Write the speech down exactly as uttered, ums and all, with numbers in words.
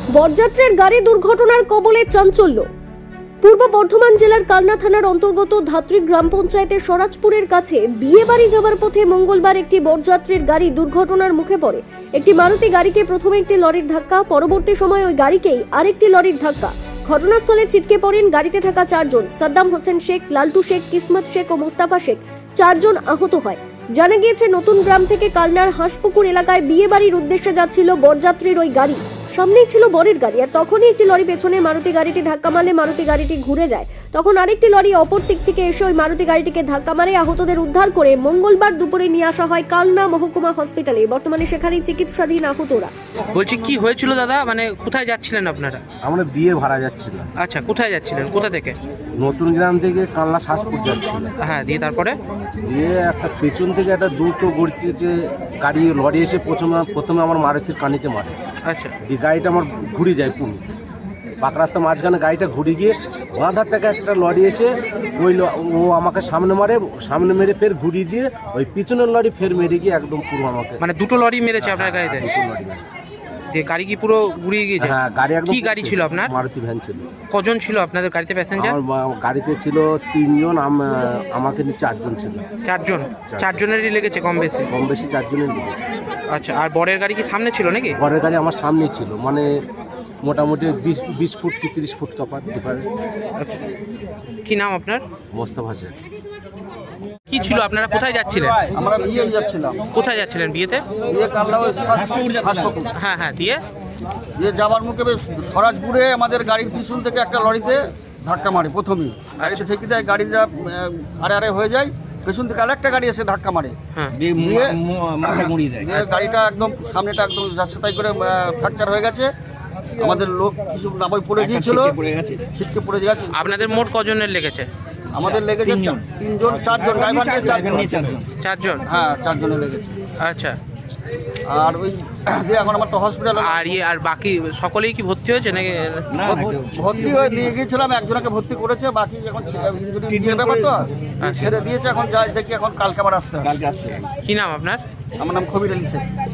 বরযাত্রীর গাড়ি দুর্ঘটনার কবলে চাঞ্চল্য। পূর্ব বর্ধমান জেলার কালনা থানার অন্তর্গত ধাত্রী গ্রাম পঞ্চায়েতের স্বরাজপুরের কাছে বিয়ে বাড়ি যাওয়ার পথে মঙ্গলবার একটি বরযাত্রীর গাড়ি দুর্ঘটনার মুখে পড়ে। একটি মারুতি গাড়িকে প্রথমে একটি লরির ধাক্কা, পরবর্তী সময় ওই গাড়িকেই আরেকটি লরির ধাক্কা। ঘটনাস্থলে ছিটকে পড়েন গাড়িতে থাকা চারজন। সাদ্দাম হোসেন শেখ, লালটু শেখ, কিসমত শেখ ও মোস্তাফা শেখ চারজন আহত হয়। জানা গিয়েছে নতুন গ্রাম থেকে কালনার হাঁসপুকুর এলাকায় বিয়ে বাড়ির উদ্দেশ্যে যাচ্ছিল বরযাত্রীর ওই গাড়ি। সামনেই ছিল বরের গাড়ি, আর তখনই একটি লরি পেছনে মারুতি গাড়িটি ধাক্কা মারলে মারুতি গাড়িটি ঘুরে যায়। তখন আরেকটি লরি অপর দিক থেকে এসে ওই মারুতি গাড়িটিকে ধাক্কা মারে। আহতদের উদ্ধার করে মঙ্গলবার দুপুরে নিয়ে আসা হয় কালনা মহকুমা হসপিটালে। বর্তমানে সেখানেই চিকিৎসাধীন আহতরা। বলছি কি হয়েছিল দাদা, মানে কোথায় যাচ্ছিলেন আপনারা? আমরা বিয়ে ভাড়া যাচ্ছিলাম। আচ্ছা, কোথায় যাচ্ছিলেন, কোথা থেকে? নতুন গ্রাম থেকে কালনা শাসপুর যাচ্ছিলাম। হ্যাঁ, দিয়ে তারপরে দিয়ে একটা পেছন থেকে একটা দ্রুত গতিতে গাড়ি লরি এসে প্রথমে প্রথমে আমার মারুতির কানিতে মারে। আচ্ছা, দিয়ে গাড়িটা আমার ঘুরে যায় পুরো পাক রাস্তা মাঝখানে গাড়িটা ঘুরে গিয়ে বাঁধার থেকে একটা লরি এসে ওই ল- ও আমাকে সামনে মারে, সামনে মেরে ফের ঘুরিয়ে দিয়ে ওই পিছনের লরি ফের মেরে গিয়ে একদম পুরো আমাকে মানে দুটো লরি মেরেছে আপনার গাড়িতে? দুটো লরি মেরে। দিয়ে গাড়ি কি পুরো ঘুরিয়ে গিয়েছে? হ্যাঁ, গাড়ি একদম কি গাড়ি ছিল আপনার? মারুতি ভ্যান ছিল। কজন ছিল আপনাদের গাড়িতে প্যাসেঞ্জার? আমার বা- গাড়িতে ছিল তিনজন, আম- আমাকে নিয়ে চারজন ছিল। চারজন। চারজনেরই লেগেছে কম বেশি? কম বেশি চারজনের দিকে। আচ্ছা, আর বরের গাড়ি কি সামনে ছিল নাকি? ঘরের গাড়ি আমার সামনেই ছিল, মানে মোটামুটি বিশ বিশ ফুট কি তিরিশ ফুট তফাৎ ডিফারেন্স। আচ্ছা, কি নাম আপনার? মোস্তফা শেখ। কি ছিল, আপনারা কোথায় যাচ্ছিলেন? আমরা বিয়ে যাচ্ছিলাম। কোথায় যাচ্ছিলেন বিয়েতে? বিয়ে কালনা ওই হাসপাতাল। হ্যাঁ হ্যাঁ, দিয়ে দিয়ে যাবার মুখে বেশ স্বরাজপুরে আমাদের গাড়ির পিছন থেকে একটা লরিতে ধাক্কা মারে প্রথমেই। গাড়িতে থেকে দেয়, গাড়িটা আহ, আরে আরে হয়ে যায়। পেছন থেকে আরেকটা গাড়ি এসে ধাক্কা মারে। হ্যাঁ, দিয়ে মাথা মুড়িয়ে দেয়। দিয়ে গাড়িটা একদম সামনেটা একদম যাচ্ছে তাই করে ফ্র্যাকচার হয়ে গেছে। আমাদের লোক কিছু নামাই পড়ে গিয়েছিল, ছিটকে পড়ে গেছে। আপনাদের মোট কজনের লেগেছে? আমাদের লেগেছে তিনজন, চারজন, ড্রাইভার নিয়ে চারজন। চারজন? হ্যাঁ, চারজনের লেগেছে। আচ্ছা, আর ওই দিয়ে এখন আমার তো হসপিটাল আর ইয়ে আর বাকি সকলেই কি ভর্তি হয়েছে নাকি? ভর্তি হয়ে নিয়ে গিয়েছিলাম, একজনকে ভর্তি করেছে, বাকি এখন ইঞ্জুরি ব্যাপার তো ছেড়ে দিয়েছে। এখন যাই দেখি, এখন কালকে আবার আসতে হবে। কি নাম আপনার? আমার নাম খবির আলী শেখ।